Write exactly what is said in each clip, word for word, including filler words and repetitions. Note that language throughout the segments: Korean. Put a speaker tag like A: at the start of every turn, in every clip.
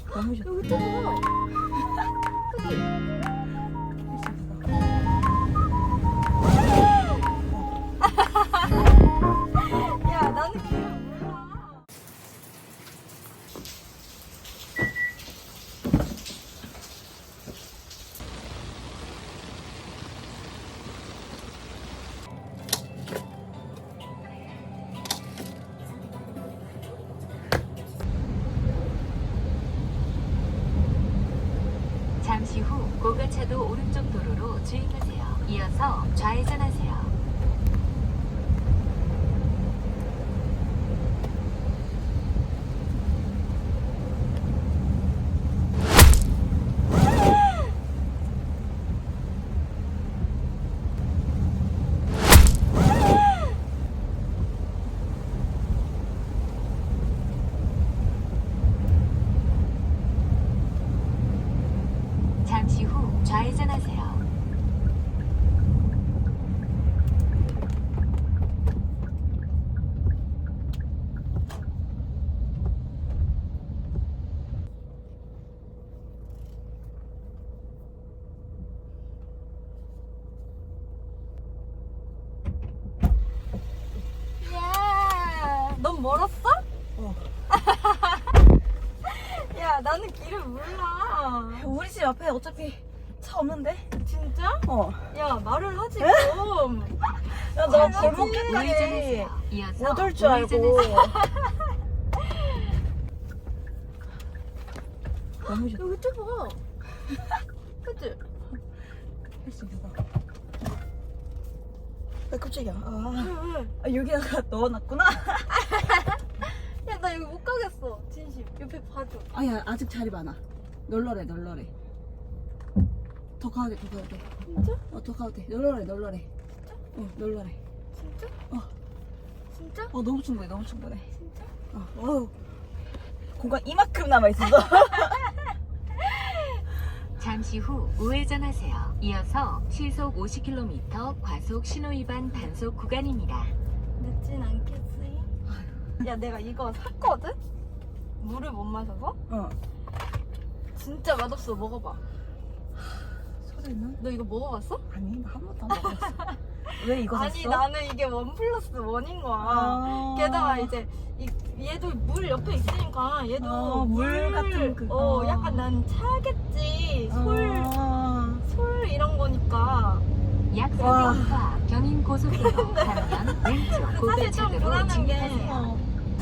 A: 너무 좋다.
B: 여기 좁아. 그치? 야, 나는 길을 몰라.
C: 잠시 후 고가차도 오른쪽 도로로 주행하세요. 이어서 좌회전하세요. 잠시 후 좌회전하세요.
B: 야, 넌 멀었어?
A: 어.
B: 야, 나는 길을 몰라.
A: 우리 집 앞에 어차피 차 없는데?
B: 진짜?
A: 어.
B: 야, 말을 하지 좀.
A: 야, 나
B: 장난치지?
A: 골목길까지
C: 우회전하세요. 이어서
A: 못 올 줄 알고.
C: 우회전하세요.
A: 너무 좋다.
B: 여기 좁아. 그치?
A: 할 수 있어. 나 깜짝이야. 아,
B: 왜, 왜?
A: 아, 여기다가 넣어놨구나.
B: 야, 나 여기 못 가겠어. 진심. 옆에 봐줘.
A: 아야, 아직 자리 많아. 널널해, 널널해. 더 가도 돼, 더 가도 돼.
B: 진짜?
A: 어, 더 가도 돼. 널널해, 널널해. 어, 널널해.
B: 진짜?
A: 어.
B: 진짜?
A: 어, 너무 충분해, 너무 충분해.
B: 진짜?
A: 어, 어우. 공간 이만큼 남아있었어.
C: 잠시 후 우회전하세요. 이어서 시속 오십 킬로미터 과속 신호위반 단속 구간입니다.
B: 늦진 않겠지? 야, 내가 이거 샀거든? 물을 못 마셔서?
A: 어.
B: 진짜 맛없어. 먹어봐.
A: 소리는?
B: 너 이거 먹어봤어?
A: 아니, 나 한 번도 안 먹었어. 왜 이거 샀어?
B: 아니, 나는 이게 원 플러스 원인 거야.
A: 아.
B: 게다가 이제 이, 얘도 물 옆에 있으니까 얘도
A: 어, 물 같은 그-
B: 어,
A: 어.
B: 약간 난 차겠지. 솔,
A: 아.
B: 솔 이런 거니까.
C: 약
A: 와.
C: 삼백 미터 앞 경인 고속도로 반면 왼쪽
B: 사실 좀
C: 고가차도로
B: 불안한 게
C: 진입하세요.
A: 어.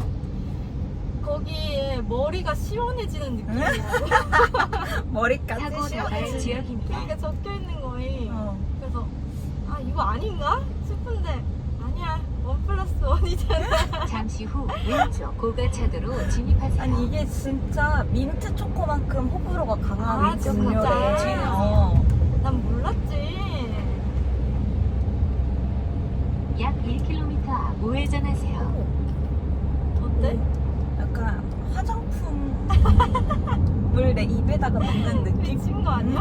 B: 거기에 머리가 시원해지는 느낌이야.
A: 머리까지
C: 사고 나갈
A: 시원해.
C: 지역입니다.
B: 이게 적혀 있는 거에.
A: 어.
B: 그래서 아 이거 아닌가 싶은데 아니야. 원 플러스 원이잖아.
C: 잠시 후 왼쪽 고가차도로 진입하세요.
A: 아니 이게 진짜 민트 초코만큼 호불호가 강한
B: 아,
A: 민트
B: 진짜?
A: 음료래. 어.
B: 난 몰랐지.
C: 약 일 킬로미터 앞 우회전하세요.
B: 어때?
A: 약간 화장품 물 내 입에다가 넣는 느낌?
B: 미친 거 아니야?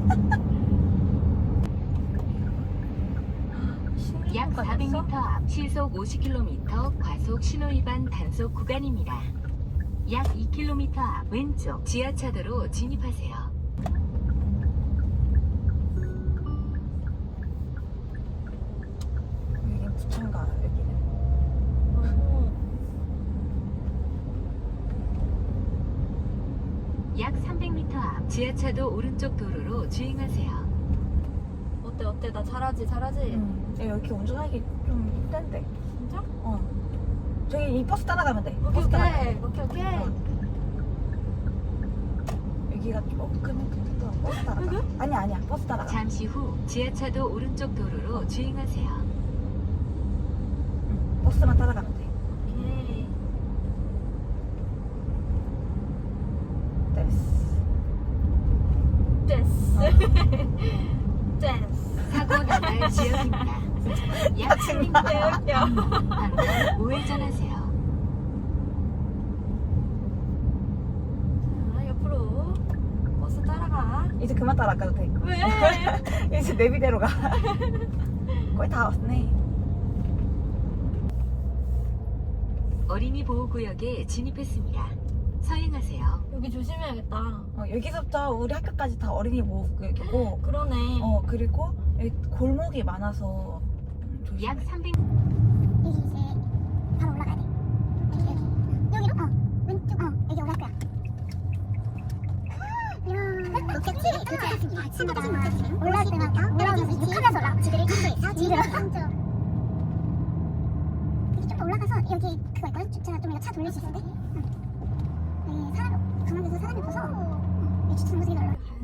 C: 약 사백 미터 앞 시속 오십 킬로미터 과속 신호위반 단속 구간입니다. 약 이 킬로미터 앞 왼쪽 지하차도로 진입하세요.
A: 여기 부천가 여기는.
C: 약 삼백 미터 앞 지하차도 오른쪽 도로로 주행하세요.
B: 어때 어때 나 잘하지 잘하지.
A: 응. 야, 여기 운전하기 좀 힘든데.
B: 진짜?
A: 어. 저기 이 버스 따라가면 돼.
B: 오케이
A: 버스 따라가.
B: 오케이 오케이 오케이.
A: 어. 여기가 조금 힘들어. 버스 따라가.
B: 여기?
A: 아니야 아니야 버스 따라가.
C: 잠시 후 지하차도 오른쪽 도로로 주행하세요.
A: 응. 버스만 따라가면 돼.
B: 오케이.
A: 됐어.
B: 됐어. 됐어.
C: 사고 나갈 지역입니다. 약 삼백 미터 앞
B: 웃겨.
C: 방면 우회전하세요.
B: 자 옆으로 버스 따라가.
A: 이제 그만 따라가도 돼.
B: 왜?
A: 이제 내비대로 가. 거의 다 왔네.
C: 어린이 보호구역에 진입했습니다. 서행하세요.
B: 여기 조심해야겠다.
A: 어, 여기서부터 우리 학교까지 다 어린이 보호구역이고
B: 그러네.
A: 어 그리고 여기 골목이 많아서 음, 조심해.
C: 약 삼백
D: 여기 이제 바로 올라가야 돼. 여기 여기 여기로? 어 왼쪽 어 여기 올라갈 거야. 이야 높겠지? 도착했습니다. 친구들 막 올라올 때마다 올라오면서 욕하면서 올라가. 지들이 지들이 왼쪽. 여기 좀 더 올라가서 여기 그거 있거든. 주차 좀 이거 차 돌릴 수 있는데. 응. 여기 사람 가만히 있어 사람이 없어서. 응. 여기 주차 무지개 놀러.